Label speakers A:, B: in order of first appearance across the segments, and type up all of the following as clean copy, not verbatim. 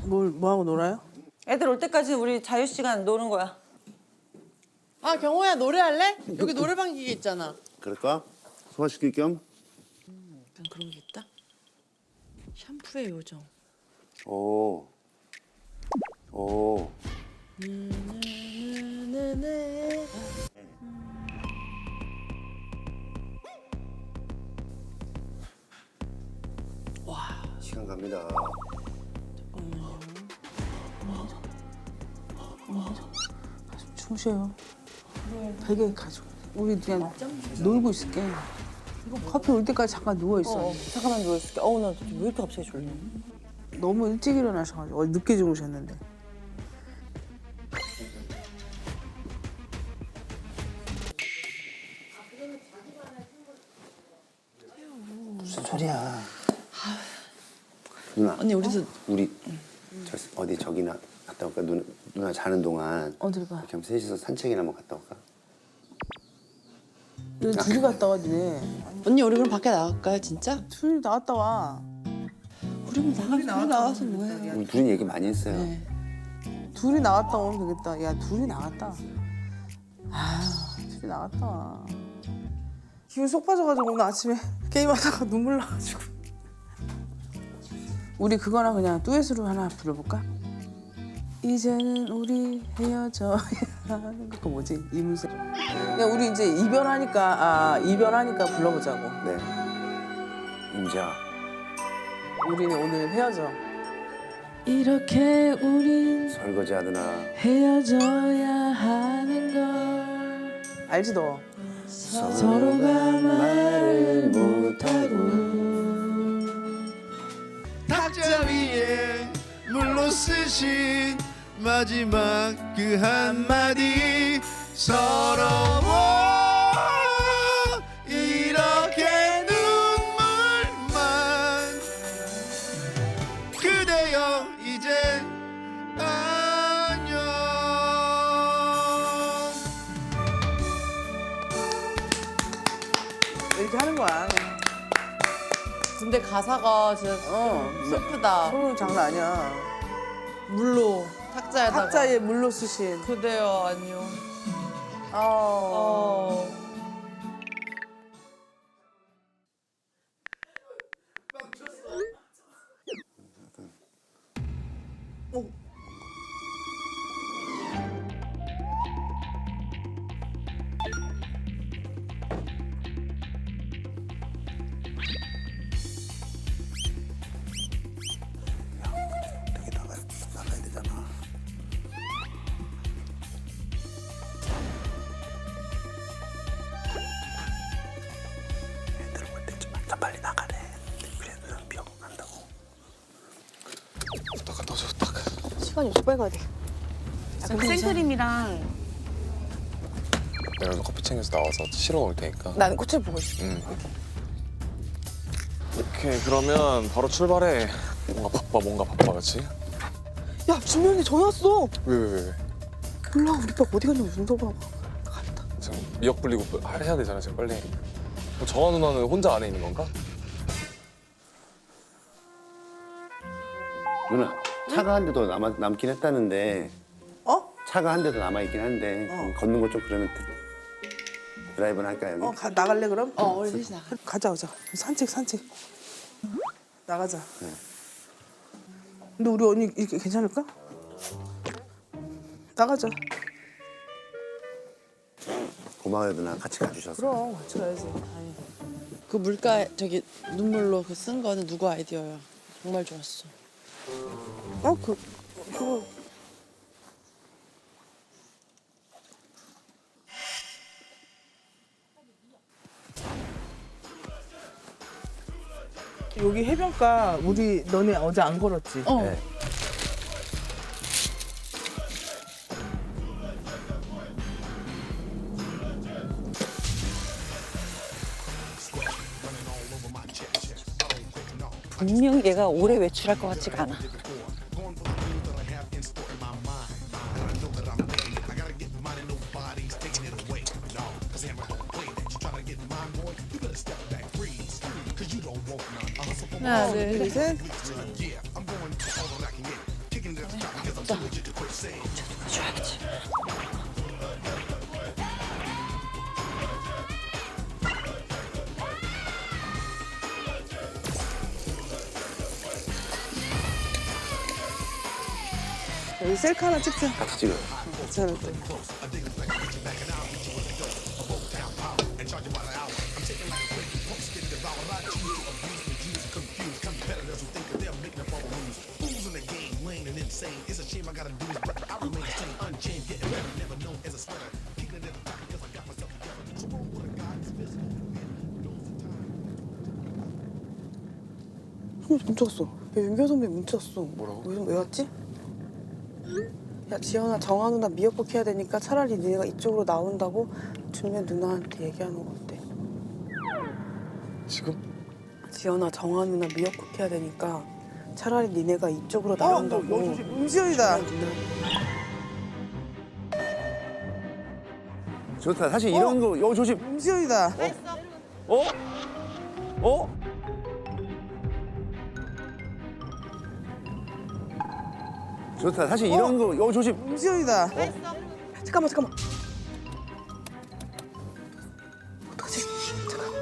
A: 뭐 하고 놀아요?
B: 애들 올 때까지 우리 자유 시간 노는 거야.
A: 아 경호야 노래할래? 여기 노래방 기계 있잖아.
C: 그럴까? 소화시킬 겸?
A: 약간 그런 게 있다. 샴푸의 요정.
C: 오. 오.
A: 네네네.
C: 시간 갑니다.
A: 주무셔요. 베개 가지고. 우리 그냥 놀고 있을게. 커피 올 때까지 잠깐 누워 있어.
B: 잠깐만 누워있을게. 어우 나 왜 이렇게 갑자기 졸려.
A: 너무 일찍 일어나셔가지고 늦게 주무셨는데.
C: 무슨 소리야? 누나.
A: 언니 우리도
C: 우리 어디 저기나 갔다 올까? 누나 자는 동안
A: 어딜 가?
C: 이렇게 한번 셋이서 산책이나 한번 갔다 올까?
A: 왜 둘이 갔다 와지?
D: 언니 우리 그럼 밖에 나갈까요 진짜?
A: 둘이 나갔다 와.
D: 우리만 나가서 뭐해?
C: 우리 둘이 얘기 많이 했어요.
D: 네.
A: 둘이 나갔다 오면 되겠다. 야 둘이 나갔다. 아 둘이 나갔다 와. 기분 속 빠져가지고 오늘 아침에 게임하다가 눈물 나가지고. 우리 그거나 그냥 듀엣으로 하나 불러볼까? 이제는 우리 헤어져야 하는 거 뭐지? 이문세. 그냥 우리 이제 이별하니까 불러보자고.
C: 네. 임자.
A: 우리는 오늘 헤어져. 이렇게 우린
C: 설거지 하드나.
A: 헤어져야 하는 걸. 알지 너?
C: 서로가 말을 못하고
E: 탁자 위에 물로 쓰신 마지막 그 한마디 서러워 이렇게 눈물만 그대여 이제 안녕.
A: 이렇게 하는 거야.
D: 근데 가사가 진짜 슬프다.
A: 소름 장난 아니야.
D: 물로 탁자에다가
A: 탁자에 물로 쓰신.
D: 그대여 안녕.
A: 어.
C: 여기 나가야 되잖아. 애들 올 때쯤 다 빨리 나가래. 그래도 난 비하고 간다고. 부탁 넣어줘 부탁.
F: 시간이 없어 빨리 가야 돼. 그럼 생크림이랑
G: 내가 커피 챙겨서 나와서 실어 놓을 테니까.
F: 나는 꽃을 보고 있어.
G: 오케이 그러면 바로 출발해. 뭔가 바빠 그렇지?
F: 야 준명이 전화 왔어.
G: 왜?
F: 몰라 우리 오빠 어디 갔냐고 윤서방. 갔다.
G: 지금 미역 불리고 해야 되잖아 지금 빨리. 정아 누나는 혼자 안에 있는 건가?
C: 누나 차가 한 대도 남긴 했다는데
A: 어?
C: 차가 한 대도 남아있긴 한데 걷는 거 좀 그러면 드라이브는 할까요 여기?
A: 나갈래 그럼?
D: 우리 셋이 나가.
A: 가자. 산책. 나가자. 근데 우리 언니 이렇게 괜찮을까? 나가자.
C: 고마워요 누나 같이 가주셔서.
A: 그럼 같이 가야지. 아니.
D: 그 물가 저기 눈물로 그 쓴 거는 누구 아이디어야? 정말 좋았어.
A: 그거. 여기 해변가 우리 너네 어제 안 걸었지?
C: 네.
B: 분명 얘가 오래 외출할 것 같지가 않아.
D: 하나 둘 셋.
A: 셋.
B: 줘야겠지.
A: 여기 셀카 하나 찍자.
C: 같이 찍어요.
A: 괜찮을 때. 문자 왔어. 야, 윤경 선배 문자 왔어.
G: 뭐라고?
A: 왜 왔지? 야, 지연아, 정아 누나 미역국 해야 되니까 차라리 니네가 이쪽으로 나온다고 준면 누나한테 얘기하는 거 어때?
G: 지금?
A: 지연아, 정아 누나 미역국 해야 되니까 차라리 니네가 이쪽으로 나온다고. 음지연이다.
C: 좋다. 사실 이런 거 조심.
A: 음지연이다.
C: 어? 어? 좋다. 사실 이런 거 조심.
A: 음지연이다. 잠깐만. 어떡하지? 잠깐.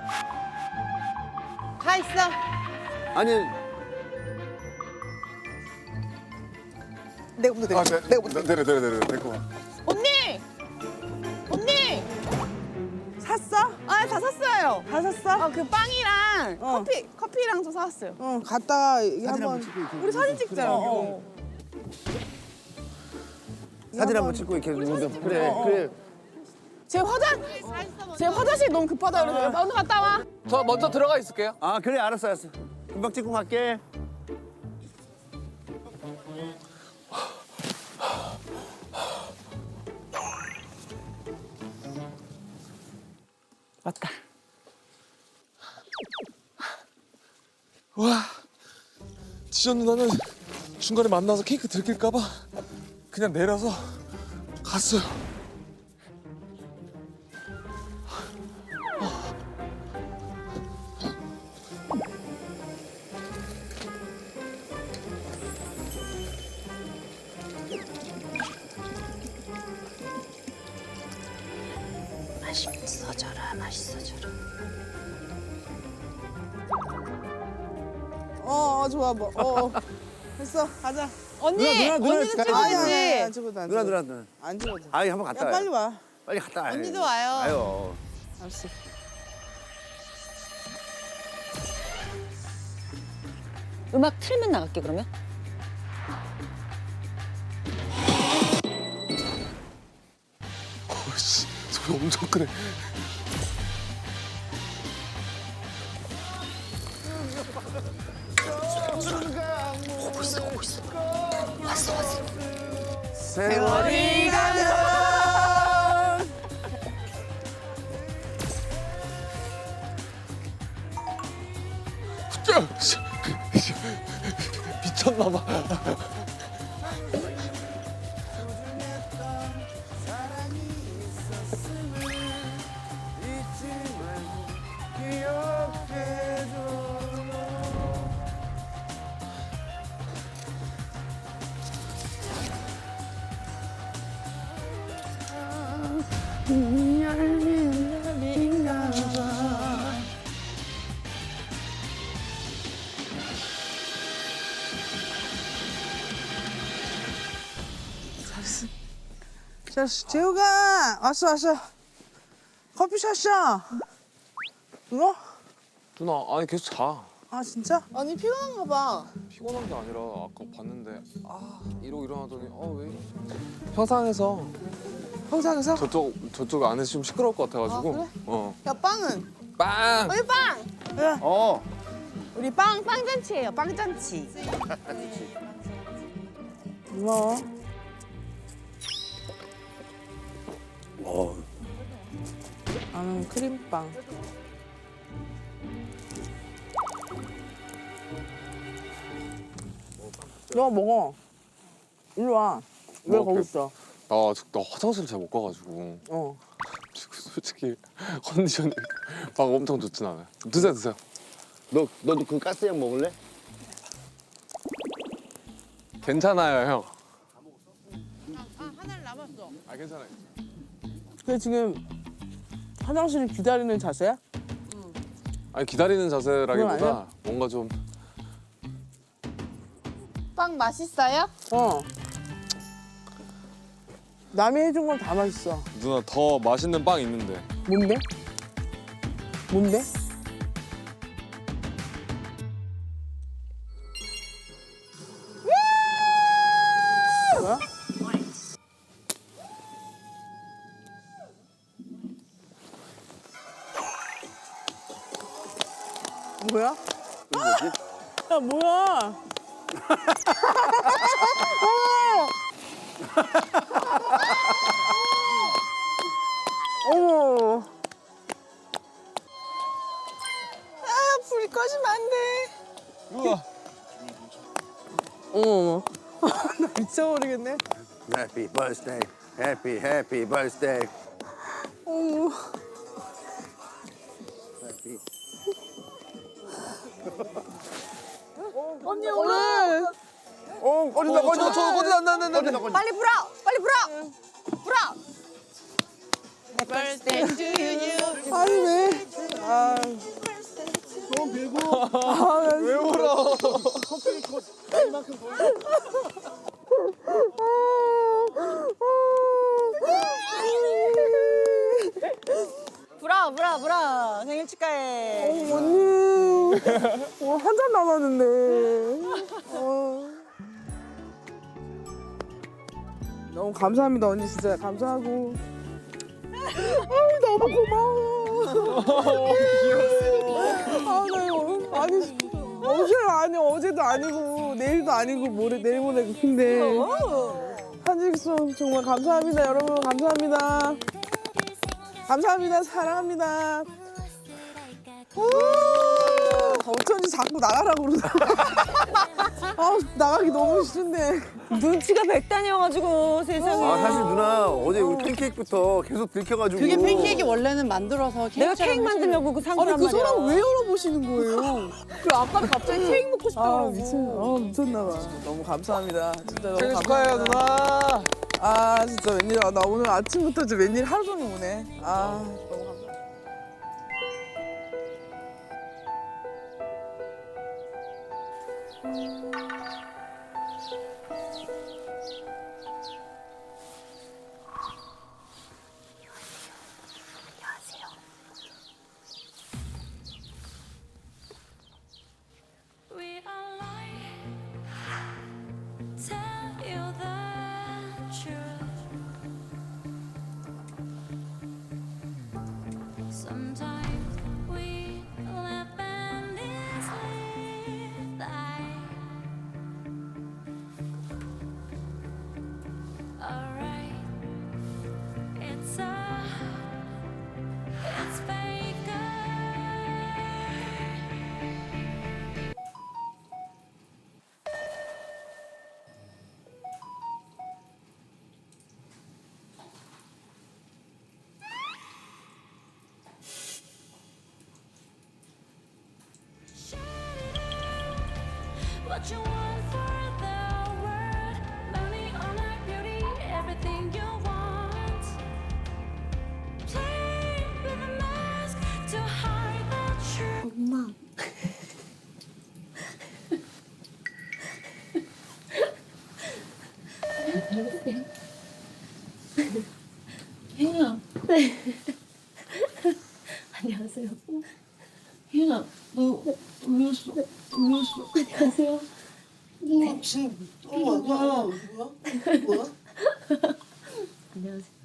F: 가 있어.
C: 아니
A: 내가 먼저
G: 내려 데리고 와.
F: 언니!
A: 샀어?
F: 아, 다 샀어요.
A: 다 샀어?
F: 그 빵이랑
A: 어.
F: 커피랑 좀 사왔어요.
A: 응, 갔다가 한번
F: 우리 사진 찍자요.
C: 사진 한번 찍고 이렇게 그래.
F: 제 화장실 너무 급하다 그래서 먼저 갔다 와.
G: 저 먼저 들어가 있을게요.
C: 아 그래 알았어. 금방 찍고 갈게.
B: 왔다.
G: 와, 지연 누나는 중간에 만나서 케이크 들킬까봐 그냥 내려서 갔어요.
A: 좋아 뭐. 됐어, 가자.
F: 언니!
C: 누나,
F: 언니도
C: 누나,
F: 찍어야지.
A: 안 찍어도 안
C: 누나
A: 찍어도.
C: 누나.
A: 안 찍어도.
C: 아이 한번 갔다
A: 야,
C: 와요.
A: 빨리 와.
C: 빨리 갔다 와요.
F: 언니도 와요.
C: 와요.
A: 알았어.
B: 음악 틀면 나갈게 그러면.
G: 씨, 소리 엄청 크네.
C: 세월이 가면
G: 미쳤나봐.
A: 자, 재우가 왔어. 커피숍이야. 누나?
G: 누나, 아니 계속 자.
A: 아, 진짜?
F: 언니 피곤한가 봐.
G: 피곤한 게 아니라 아까 봤는데 이러고 일어나더니 왜 이래? 평상에서
A: 평상에서?
G: 저쪽 안에서 좀 시끄러울 것 같아가지고.
F: 아, 그래?
A: 야, 빵은?
G: 빵.
F: 우리 빵!
A: 야,
F: 우리 빵잔치예요, 빵잔치.
A: 고마워. 나는 크림빵. 너 먹어. 일로 와. 왜 거기 있어?
G: 나 화장실 잘 못 가가지고 지금 솔직히 컨디션이 막 엄청 좋진 않아요. 드세요.
C: 너도 그 가스약 먹을래?
G: 괜찮아요, 형. 아 괜찮아요.
A: 근데 지금 화장실을 기다리는 자세야?
G: 아니 기다리는
A: 그건
G: 자세라기보다
A: 아니야?
G: 뭔가 좀
F: 빵 맛있어요?
A: 어. 남이 해준 건 다 맛있어.
G: 누나 더 맛있는 빵 있는데.
A: 뭔데? 뭔데? 뭐야? 뭐야? 야 뭐야? 어머.
F: 불 꺼지면 안 돼.
G: 우와.
A: 어머. 나 미쳐버리겠네.
C: Happy birthday. Happy birthday.
A: 어머.
C: Happy.
A: 언니 오늘. 꺼진다 꺼진다.
G: 저 꺼진다 안돼.
B: 빨리 불어! 빨리 불어! 불어!
A: 아니 왜? 아. 너무 빌고. 아, 왜 울어?
B: 불어! 불어! 불어! 생일 축하해.
A: 언니. 한 잔 남았는데. 너무 감사합니다 언니 진짜 감사하고. 너무 고마워. 아니 어제도 아니고 내일도 아니고 내일 모레 근데 한직송 정말 감사합니다 여러분 감사합니다. 감사합니다 사랑합니다. 어쩐지 자꾸 나가라고 그러더라. 나가기 너무 싫은데.
B: 눈치가 백단이어가지고 세상에.
C: 아 사실 누나 어제 우리 팬케이크부터 계속 들켜가지고.
D: 그게 팬케이크 원래는 만들어서
B: 내가 케이크 만들려고 그 상자란
A: 아니 그
B: 말이야.
A: 사람 왜 열어보시는 거예요?
F: 그 아빠는 갑자기 케이크 먹고 싶다고.
A: 미쳤나 봐. 너무 감사합니다. 진짜 너무
G: 생일
A: 감사해요.
G: 축하해요 누나.
A: 아 진짜 웬일이야. 나 오늘 아침부터 이제 웬일 하루 종일 오네. 아 너무 감사.
H: We are lying, tell you the truth. Sometimes we live endlessly die. Alright, it's fake. What you want for the world, money or like beauty, everything you want. Play with a mask to hide the truth.
I: 엄마. 혜인아. 네. 안녕하세요. 혜인아, 너 울렸어. 안녕하세요. 혜인아.
A: 뭐야?
I: 안녕하세요.